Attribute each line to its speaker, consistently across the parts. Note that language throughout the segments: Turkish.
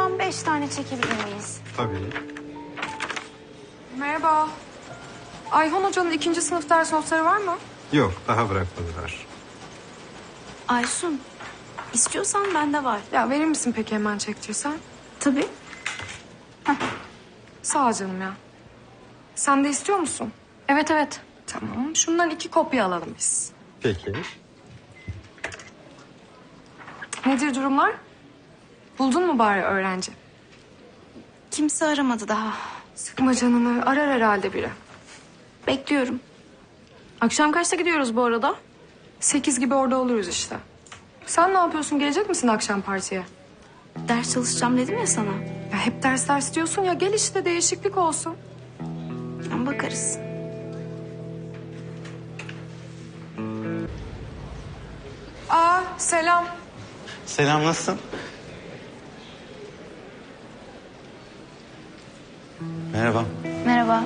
Speaker 1: Toplam 5 tane çekebilir miyiz?
Speaker 2: Tabii.
Speaker 3: Merhaba. Ayhan Hoca'nın 2. sınıf ders notları var mı?
Speaker 2: Yok, daha bırakmadılar.
Speaker 1: Aysun, istiyorsan bende var.
Speaker 3: Ya verir misin peki hemen çektirsen?
Speaker 1: Tabii.
Speaker 3: Sağ ol canım ya. Sen de istiyor musun?
Speaker 1: Evet, evet.
Speaker 3: Tamam. Şundan 2 kopya alalım biz.
Speaker 2: Peki.
Speaker 3: Nedir durumlar? Buldun mu bari öğrenci?
Speaker 1: Kimse aramadı daha.
Speaker 3: Sıkma canını. Arar herhalde biri.
Speaker 1: Bekliyorum. Akşam kaçta gidiyoruz bu arada?
Speaker 3: 8 gibi orada oluruz işte. Sen ne yapıyorsun? Gelecek misin akşam partiye?
Speaker 1: Ders çalışacağım dedim ya sana.
Speaker 3: Ya hep ders diyorsun ya. Gel işte değişiklik olsun.
Speaker 1: Bakarız.
Speaker 3: Aa selam.
Speaker 4: Selam, nasılsın? Merhaba.
Speaker 1: Merhaba.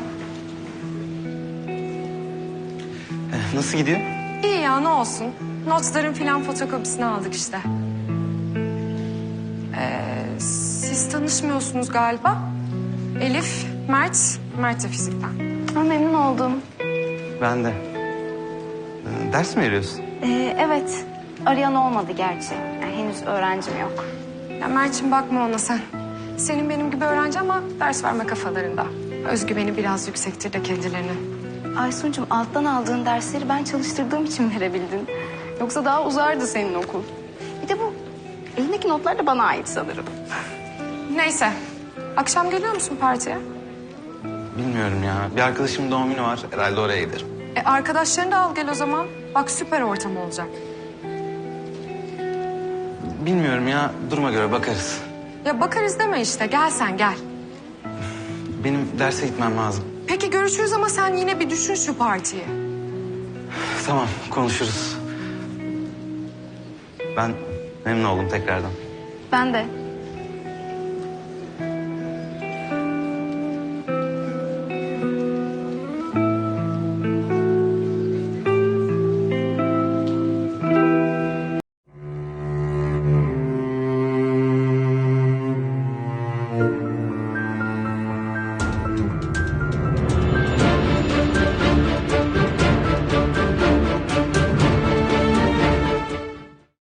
Speaker 4: Nasıl gidiyor?
Speaker 3: İyi ya ne olsun. Notların filan fotokopisini aldık işte. Siz tanışmıyorsunuz galiba. Elif, Mert de fizikten.
Speaker 1: Memnun oldum.
Speaker 4: Ben de. Ders mi veriyorsun?
Speaker 1: Evet. Arayan olmadı gerçi. Yani henüz öğrencim yok.
Speaker 3: Ya Mert'ciğim bakma ona sen. Senin benim gibi öğrenci ama ders verme kafalarında. Özgüveni biraz yüksektir de kendilerinin.
Speaker 1: Aysun'cum alttan aldığın dersleri ben çalıştırdığım için verebildin. Yoksa daha uzardı senin okul. Bir de bu elindeki notlar da bana ait sanırım.
Speaker 3: Neyse. Akşam geliyor musun partiye?
Speaker 4: Bilmiyorum ya. Bir arkadaşımın doğum günü var. Herhalde oraya giderim.
Speaker 3: Arkadaşlarını da al gel o zaman. Bak süper ortam olacak.
Speaker 4: Bilmiyorum ya. Duruma göre bakarız.
Speaker 3: Ya bakarız deme işte. Gel sen gel.
Speaker 4: Benim derse gitmem lazım.
Speaker 3: Peki görüşürüz ama sen yine bir düşün şu partiyi.
Speaker 4: Tamam, konuşuruz. Ben memnun oldum tekrardan.
Speaker 1: Ben de.